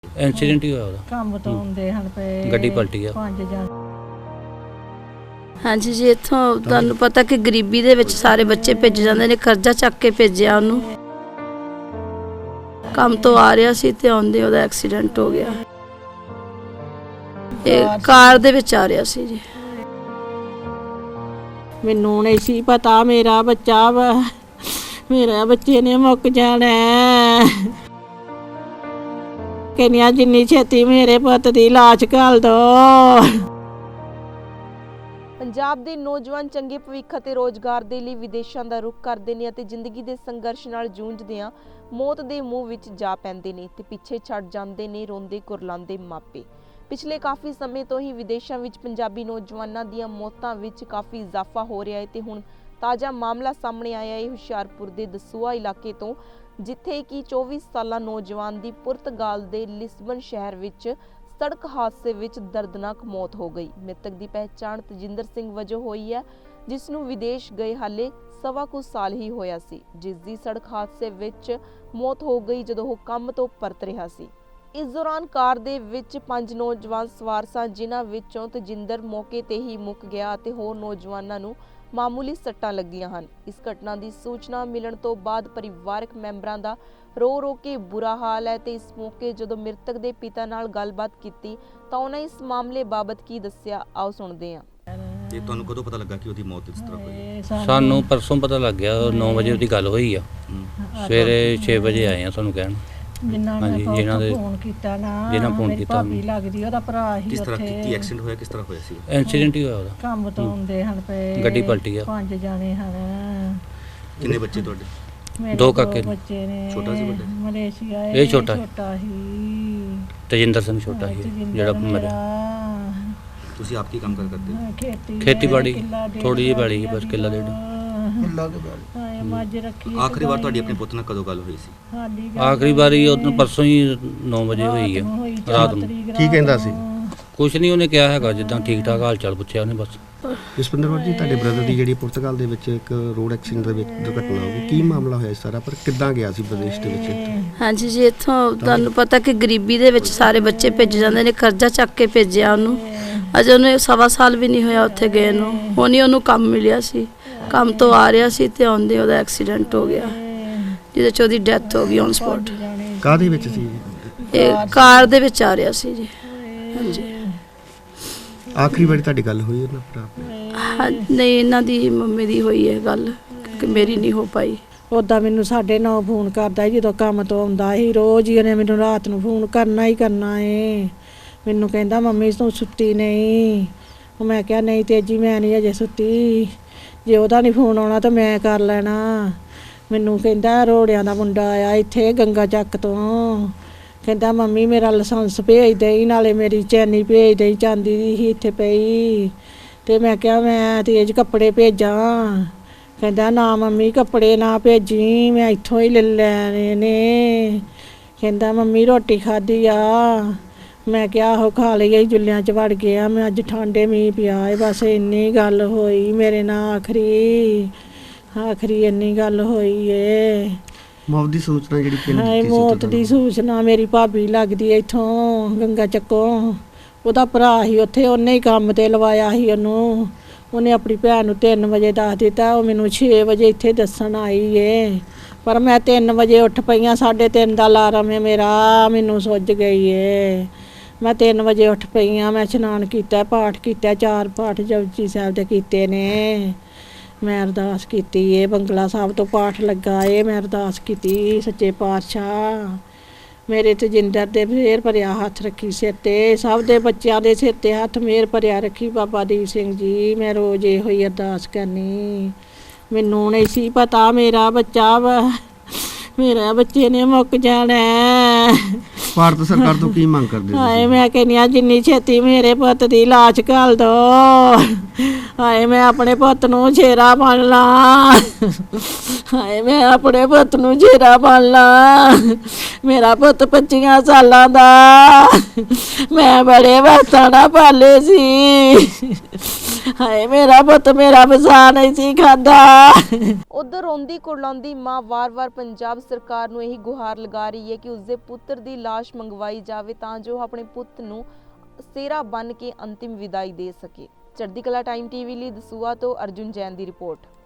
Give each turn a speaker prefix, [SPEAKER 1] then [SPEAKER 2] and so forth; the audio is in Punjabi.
[SPEAKER 1] ਇੰਸੀਡੈਂਟ ਹੀ ਹੋਇਆ ਉਹਦਾ।
[SPEAKER 2] ਕੰਮ ਤੋਂ ਆਉਂਦੇ ਹਨ ਪਏ
[SPEAKER 1] ਗੱਡੀ ਪਲਟੀ ਆ।
[SPEAKER 2] 5 ਜਣ।
[SPEAKER 3] ਹਾਂਜੀ ਜੀ, ਇੱਥੋਂ ਤੁਹਾਨੂੰ ਪਤਾ ਕਿ ਗਰੀਬੀ ਦੇ ਵਿੱਚ ਸਾਰੇ ਬੱਚੇ ਭੇਜ ਜਾਂਦੇ ਨੇ, ਕਰਜ਼ਾ ਚੱਕ ਕੇ ਭੇਜਿਆ ਉਹਨੂੰ। ਕੰਮ ਤੋਂ ਆ ਰਿਹਾ ਸੀ ਤੇ ਆਉਂਦੇ ਉਹਦਾ ਐਕਸੀਡੈਂਟ ਹੋ ਗਿਆ। ਇਹ ਕਾਰ ਦੇ ਵਿੱਚ ਆ ਰਿਹਾ ਸੀ ਜੀ।
[SPEAKER 2] ਮੈਨੂੰ ਨਹੀਂ ਸੀ ਪਤਾ ਮੇਰਾ ਬੱਚਾ ਵਾ, ਮੇਰੇ ਬੱਚੇ ਨੇ ਮੁੱਕ ਜਾਣਾ। ਕਹਿੰਦੀਆਂ ਜਿੰਨੀ ਛੇਤੀ ਮੇਰੇ ਪੁੱਤ ਦੀ ਲਾਸ਼ ਘੱਲ ਦੋ।
[SPEAKER 4] ਪੰਜਾਬ ਦੇ ਨੌਜਵਾਨ ਚੰਗੇ ਭਵਿੱਖ ਅਤੇ ਰੋਜ਼ਗਾਰ ਦੇ ਲਈ ਵਿਦੇਸ਼ਾਂ ਦਾ ਰੁਖ ਕਰਦੇ ਨੇ ਅਤੇ ਜ਼ਿੰਦਗੀ ਦੇ ਸੰਘਰਸ਼ ਨਾਲ ਜੂਝਦਿਆਂ ਮੌਤ ਦੇ ਮੂੰਹ ਵਿੱਚ ਜਾ ਪੈਂਦੇ ਨੇ ਤੇ ਪਿੱਛੇ ਛੱਡ ਜਾਂਦੇ ਨੇ ਰੋਂਦੇ ਕੁਰਲਾਉਂਦੇ ਮਾਪੇ। ਪਿਛਲੇ ਕਾਫੀ ਸਮੇਂ ਤੋਂ ਹੀ ਵਿਦੇਸ਼ਾਂ ਵਿੱਚ ਪੰਜਾਬੀ ਨੌਜਵਾਨਾਂ ਦੀਆਂ ਮੌਤਾਂ ਵਿੱਚ ਕਾਫੀ ਇਜ਼ਾਫਾ ਹੋ ਰਿਹਾ ਹੈ ਤੇ ਹੁਣ ਤਾਜ਼ਾ ਮਾਮਲਾ ਸਾਹਮਣੇ ਆਇਆ ਹੈ ਹੁਸ਼ਿਆਰਪੁਰ ਦੇ ਦਸੂਹਾ ਇਲਾਕੇ ਤੋਂ, ਜਿੱਥੇ ਕਿ 24 ਸਾਲਾ ਨੌਜਵਾਨ ਦੀ ਪੁਰਤਗਾਲ ਦੇ ਲਿਸਬਨ ਸ਼ਹਿਰ ਵਿੱਚ ਸੜਕ ਹਾਦਸੇ ਵਿੱਚ ਦਰਦਨਾਕ ਮੌਤ ਹੋ ਗਈ। ਮ੍ਰਿਤਕ ਦੀ ਪਹਿਚਾਣ ਤਜਿੰਦਰ ਸਿੰਘ ਵਜੋਂ ਹੋਈ ਹੈ, ਜਿਸ ਨੂੰ ਵਿਦੇਸ਼ ਗਏ ਹਾਲੇ ਸਵਾ ਕੁ ਸਾਲ ਹੀ ਹੋਇਆ ਸੀ, ਜਿਸ ਦੀ ਸੜਕ ਹਾਦਸੇ ਵਿੱਚ ਮੌਤ ਹੋ ਗਈ ਜਦੋਂ ਉਹ ਕੰਮ ਤੋਂ ਪਰਤ ਰਿਹਾ ਸੀ। ਇਸ ਦੌਰਾਨ ਕਾਰ ਦੇ ਵਿੱਚ 5 ਨੌਜਵਾਨ ਸਵਾਰ ਸਨ, ਜਿਨ੍ਹਾਂ ਵਿੱਚੋਂ ਤਜਿੰਦਰ ਮੌਕੇ ਤੇ ਹੀ ਮੁੱਕ ਗਿਆ ਅਤੇ ਹੋਰ ਨੌਜਵਾਨਾਂ ਨੂੰ ਮਾਮੂਲੀ ਸੱਟਾਂ ਲੱਗੀਆਂ ਹਨ। ਇਸ ਘਟਨਾ ਦੀ ਸੂਚਨਾ ਮਿਲਣ ਤੋਂ ਬਾਅਦ ਪਰਿਵਾਰਕ ਮੈਂਬਰਾਂ ਦਾ ਰੋ ਕੇ ਬੁਰਾ ਹਾਲ ਹੈ ਤੇ ਇਸ ਮੌਕੇ ਜਦੋਂ ਮ੍ਰਿਤਕ ਦੇ ਪਿਤਾ ਨਾਲ ਗੱਲਬਾਤ ਕੀਤੀ ਤਾਂ ਉਹਨਾਂ ਇਸ ਮਾਮਲੇ ਬਾਬਤ ਕੀ ਦੱਸਿਆ, ਆਓ ਸੁਣਦੇ ਹਾਂ।
[SPEAKER 5] ਤੇ ਤੁਹਾਨੂੰ ਕਦੋਂ ਪਤਾ ਲੱਗਾ ਕਿ ਉਹਦੀ ਮੌਤ ਇਸ ਤਰ੍ਹਾਂ ਹੋਈ?
[SPEAKER 1] ਸਾਨੂੰ ਪਰਸੋਂ ਪਤਾ ਲੱਗ ਗਿਆ, 9 ਵਜੇ ਉਹਦੀ ਗੱਲ ਹੋਈ ਆ। ਸਵੇਰੇ 6 ਵਜੇ ਆਏ ਆ ਸਾਨੂੰ ਕਹਿਣ।
[SPEAKER 2] ਹਾਂਜੀ, ਜਿਨ੍ਹਾਂ ਦੇ ਫੋਨ ਕੀਤਾ ਨਾ,
[SPEAKER 1] ਜਿਨ੍ਹਾਂ ਫੋਨ ਕੀਤਾ
[SPEAKER 2] ਭਾਬੀ ਲੱਗਦੀ ਉਹਦਾ ਭਰਾ ਹੀ।
[SPEAKER 5] ਕਿਸ ਤਰ੍ਹਾਂ
[SPEAKER 2] ਉੱਥੇ
[SPEAKER 5] ਕੀ ਐਕਸੀਡੈਂਟ ਹੋਇਆ, ਕਿਸ ਤਰ੍ਹਾਂ ਹੋਇਆ ਸੀ?
[SPEAKER 1] ਇੰਸੀਡੈਂਟ ਹੀ ਹੋਇਆ ਉਹਦਾ।
[SPEAKER 2] ਕੰਮ ਤੋਂ ਆਉਂਦੇ ਹਨ ਪਏ
[SPEAKER 1] ਗੱਡੀ ਪਲਟੀ ਆ।
[SPEAKER 2] 5 ਜਣੇ ਹਨ।
[SPEAKER 5] ਕਿੰਨੇ ਬੱਚੇ ਤੁਹਾਡੇ?
[SPEAKER 2] ਮੇਰੇ
[SPEAKER 1] 2 ਕਾਕੇ
[SPEAKER 2] ਬੱਚੇ ਨੇ।
[SPEAKER 5] ਛੋਟਾ ਸੀ ਵੱਡਾ?
[SPEAKER 2] ਮਲੇਸ਼ੀਆ
[SPEAKER 1] ਇਹ ਛੋਟਾ
[SPEAKER 2] ਹੀ।
[SPEAKER 1] ਤਜਿੰਦਰ ਸਿੰਘ ਛੋਟਾ ਸੀ ਜਿਹੜਾ ਮਰਿਆ।
[SPEAKER 5] ਤੁਸੀਂ ਆਪ ਕੀ ਕੰਮ ਕਰਦੇ ਹੋ?
[SPEAKER 1] ਖੇਤੀਬਾੜੀ ਥੋੜੀ ਜਿਹੀ ਬਾੜੀ ਬਸ ਕਿੱਲਾ ਡੇਢ।
[SPEAKER 2] ਮੱਝ ਰੱਖੀ।
[SPEAKER 5] ਆਖਰੀ ਵਾਰ ਤੁਹਾਡੀ ਆਪਣੇ ਪੁੱਤ ਨਾਲ ਕਦੋਂ ਗੱਲ ਹੋਈ ਸੀ?
[SPEAKER 1] ਆਖਰੀ ਵਾਰੀ ਉਹ ਪਰਸੋਂ ਹੀ 9 ਵਜੇ ਹੋਈ ਆ ਰਾਤ ਨੂੰ।
[SPEAKER 6] ਕੀ ਕਹਿੰਦਾ ਸੀ?
[SPEAKER 1] ਕੁਛ ਨਹੀਂ ਉਹਨੇ ਕਿਹਾ ਹੈਗਾ, ਜਿੱਦਾਂ ਠੀਕ ਠਾਕ ਹਾਲ ਚਾਲ ਪੁੱਛਿਆ ਉਹਨੇ ਬਸ।
[SPEAKER 6] ਜਸਪਿੰਦਰ ਕੌਰ ਜੀ, ਤੁਹਾਡੇ ਬ੍ਰਦਰ ਦੀ ਜਿਹੜੀ ਪੁਰਤਗਾਲ ਦੇ ਵਿੱਚ ਇੱਕ ਰੋਡ ਐਕਸੀਡੈਂਟ ਦੇ ਵਿੱਚ ਦੁਰਘਟਨਾ ਹੋ ਗਈ, ਕੀ ਮਾਮਲਾ ਹੋਇਆ ਸਾਰਾ, ਪਰ ਕਿੱਦਾਂ ਗਿਆ ਸੀ ਵਿਦੇਸ਼ ਦੇ ਵਿੱਚ?
[SPEAKER 3] ਹਾਂਜੀ ਜੀ, ਇੱਥੋਂ ਤੁਹਾਨੂੰ ਪਤਾ ਕਿ ਗਰੀਬੀ ਦੇ ਵਿੱਚ ਸਾਰੇ ਬੱਚੇ ਭੇਜ ਜਾਂਦੇ ਨੇ, ਕਰਜ਼ਾ ਚੱਕ ਕੇ ਭੇਜਿਆ ਉਹਨੂੰ। ਅਜੇ ਉਹਨੇ ਸਵਾ ਸਾਲ ਵੀ ਨਹੀਂ ਹੋਇਆ ਉੱਥੇ ਗਏ ਨੂੰ। ਹੁਣ ਹੀ ਉਹਨੂੰ ਕੰਮ ਮਿਲਿਆ ਸੀ, ਕੰਮ ਤੋਂ ਆ ਰਿਹਾ ਸੀ ਤੇ ਆਉਂਦੇ ਉਹਦਾ ਐਕਸੀਡੈਂਟ ਹੋ ਗਿਆ, ਜਿਹਦੇ 'ਚ ਉਹਦੀ ਡੈਥ ਹੋ ਗਈ ਔਨ ਸਪੌਟ।
[SPEAKER 6] ਕਾਹਦੇ ਵਿੱਚ ਸੀ?
[SPEAKER 3] ਇਹ ਕਾਰ ਦੇ ਵਿੱਚ ਆ ਰਿਹਾ ਸੀ ਜੀ। ਹਾਂਜੀ।
[SPEAKER 6] ਆਖਰੀ ਵਾਰੀ ਤੁਹਾਡੀ ਗੱਲ ਹੋਈ ਉਹਨਾਂ ਭਰਾ ਨਾਲ?
[SPEAKER 3] ਹਾਂ, ਨਹੀਂ, ਇਹਨਾਂ ਦੀ ਮੰਮੀ ਦੀ ਹੋਈ ਹੈ ਗੱਲ, ਕਿ ਮੇਰੀ ਨਹੀਂ ਹੋ ਪਾਈ।
[SPEAKER 2] ਉਦਾਂ ਮੈਨੂੰ 9:30 ਫੋਨ ਕਰਦਾ ਸੀ ਜਦੋਂ ਕੰਮ ਤੋਂ ਆਉਂਦਾ ਸੀ। ਰੋਜ਼ ਹੀ ਉਹਨੇ ਮੈਨੂੰ ਰਾਤ ਨੂੰ ਫੋਨ ਕਰਨਾ ਹੀ ਕਰਨਾ ਏ। ਮੈਨੂੰ ਕਹਿੰਦਾ ਮੰਮੀ ਤੂੰ ਸੁੱਤੀ ਨਹੀਂ? ਮੈਂ ਕਿਹਾ ਨਹੀਂ ਤੇਜੀ, ਮੈਂ ਨਹੀਂ ਅਜੇ ਸੁੱਤੀ। ਜੇ ਉਹਦਾ ਨਹੀਂ ਫੋਨ ਆਉਣਾ ਤਾਂ ਮੈਂ ਕਰ ਲੈਣਾ। ਮੈਨੂੰ ਕਹਿੰਦਾ ਰੋੜਿਆਂ ਦਾ ਮੁੰਡਾ ਆਇਆ ਇੱਥੇ ਗੰਗਾ ਚੱਕ ਤੋਂ, ਕਹਿੰਦਾ ਮੰਮੀ ਮੇਰਾ ਲਾਇਸੈਂਸ ਭੇਜ ਦੇਈ, ਨਾਲੇ ਮੇਰੀ ਚੈਨੀ ਭੇਜ ਦੇਈ, ਚਾਂਦੀ ਦੀ ਸੀ ਇੱਥੇ ਪਈ। ਤੇ ਮੈਂ ਕਿਹਾ ਮੈਂ ਤੇਜ ਕੱਪੜੇ ਭੇਜਾਂ? ਕਹਿੰਦਾ ਨਾ ਮੰਮੀ ਕੱਪੜੇ ਨਾ ਭੇਜੀ, ਮੈਂ ਇੱਥੋਂ ਹੀ ਲੈ ਲੈਣੇ ਨੇ। ਕਹਿੰਦਾ ਮੰਮੀ ਰੋਟੀ ਖਾਧੀ ਆ? ਮੈਂ ਕਿਹਾ ਆਹੋ ਖਾ ਲਈ, ਜੁੱਲਿਆਂ 'ਚ ਵੜ ਗਿਆ ਮੈਂ, ਅੱਜ ਠੰਡੇ ਮੀਂਹ ਪਿਆ ਏ। ਬਸ ਇੰਨੀ ਗੱਲ ਹੋਈ ਮੇਰੇ ਨਾਲ, ਆਖਰੀ ਇੰਨੀ ਗੱਲ ਹੋਈ ਏ।
[SPEAKER 6] ਮੌਤ ਦੀ ਸੂਚਨਾ ਜਿਹੜੀ ਕਿਹਨੇ
[SPEAKER 2] ਹਾਏ,
[SPEAKER 6] ਦਿੱਤੀ ਸੀ?
[SPEAKER 2] ਮੌਤ ਦੀ ਸੂਚਨਾ ਮੇਰੀ ਭਾਬੀ ਲੱਗਦੀ ਇੱਥੋਂ ਗੰਗਾ ਚੱਕੋਂ। ਉਹਦਾ ਭਰਾ ਸੀ ਉੱਥੇ, ਉਹਨੇ ਹੀ ਕੰਮ ਤੇ ਲਵਾਇਆ ਸੀ ਉਹਨੂੰ। ਉਹਨੇ ਆਪਣੀ ਭੈਣ ਨੂੰ 3 ਵਜੇ ਦੱਸ ਦਿੱਤਾ, ਉਹ ਮੈਨੂੰ 6 ਵਜੇ ਇੱਥੇ ਦੱਸਣ ਆਈ ਏ। ਪਰ ਮੈਂ 3 ਵਜੇ ਉੱਠ ਪਈਆਂ, 3:30 ਦਾ ਅਲਾਰਮ ਹੈ ਮੇਰਾ, ਮੈਨੂੰ ਸੁੱਜ ਗਈ ਏ। ਮੈਂ 3 ਵਜੇ ਉੱਠ ਪਈਆਂ, ਮੈਂ ਇਸ਼ਨਾਨ ਕੀਤਾ, ਪਾਠ ਕੀਤਾ, 4 ਪਾਠ ਜਪਜੀ ਸਾਹਿਬ ਦੇ ਕੀਤੇ ਨੇ। ਮੈਂ ਅਰਦਾਸ ਕੀਤੀ ਏ, ਬੰਗਲਾ ਸਾਹਿਬ ਤੋਂ ਪਾਠ ਲੱਗਾ ਏ, ਮੈਂ ਅਰਦਾਸ ਕੀਤੀ ਸੱਚੇ ਪਾਤਸ਼ਾਹ ਮੇਰੇ ਤਜਿੰਦਰ ਦੇ ਮਿਹਰ ਭਰਿਆ ਹੱਥ ਰੱਖੀ ਸਿਰ ਤੇ, ਸਭ ਦੇ ਬੱਚਿਆਂ ਦੇ ਸਿਰ ਤੇ ਹੱਥ ਮਿਹਰ ਭਰਿਆ ਰੱਖੀ ਬਾਬਾ ਦੀਪ ਸਿੰਘ ਜੀ। ਮੈਂ ਰੋਜ਼ ਇਹੋ ਹੀ ਅਰਦਾਸ ਕਰਨੀ। ਮੈਨੂੰ ਨਹੀਂ ਸੀ ਪਤਾ ਮੇਰਾ ਬੱਚਾ ਵਾ, ਮੇਰੇ ਬੱਚੇ ਨੇ ਮੁੱਕ ਜਾਣਾ।
[SPEAKER 6] ਭਾਰਤ ਸਰਕਾਰ ਤੋਂ ਕੀ ਮੰਗ ਕਰਦੇ
[SPEAKER 2] ਹਾਏ, ਮੈਂ ਕਹਿੰਦੀ ਹਾਂ ਜਿੰਨੀ ਛੇਤੀ ਮੇਰੇ ਪੁੱਤ ਦੀ ਲਾਸ਼ ਘੱਲ ਦੋ। ਹਾਏ, ਮੈਂ ਆਪਣੇ ਪੁੱਤ ਨੂੰ ਛੇਰਾ ਬਣ ਲਾਂ। ਹਾਏ, ਮੈਂ ਆਪਣੇ ਪੁੱਤ ਨੂੰ ਛੇਰਾ ਬਣ ਲਾਂ। ਮੇਰਾ ਪੁੱਤ 25 ਸਾਲਾਂ ਦਾ, ਮੈਂ ਬੜੇ ਵਕਤਾਂ ਨਾਲ ਪਾਲੇ ਸੀ। ਹਾਏ, ਮੇਰਾ ਪੁੱਤ ਮੇਰਾ ਵਸਾ ਨਹੀਂ ਸੀ ਖਾਂਦਾ।
[SPEAKER 4] ਉਧਰ ਰੋਂਦੀ ਕੁਰਲਾਉਂਦੀ ਮਾਂ ਵਾਰ-ਵਾਰ ਪੰਜਾਬ ਸਰਕਾਰ ਨੂੰ ਇਹੀ ਗੁਹਾਰ ਲਗਾ ਰਹੀ ਹੈ ਕਿ ਉਸਦੇ ਪੁੱਤ ਪੁੱਤਰ ਦੀ ਲਾਸ਼ ਮੰਗਵਾਈ ਜਾਵੇ ਤਾਂ ਜੋ ਆਪਣੇ ਪੁੱਤ ਨੂੰ ਸਿਹਰਾ ਬੰਨ੍ਹ ਕੇ ਅੰਤਿਮ ਵਿਦਾਈ ਦੇ ਸਕੇ। ਚੜ੍ਹਦੀ ਕਲਾ ਟਾਈਮ ਟੀਵੀ ਲਈ ਦਸੂਹਾ ਤੋਂ ਅਰਜੁਨ ਜੈਨ ਦੀ ਰਿਪੋਰਟ।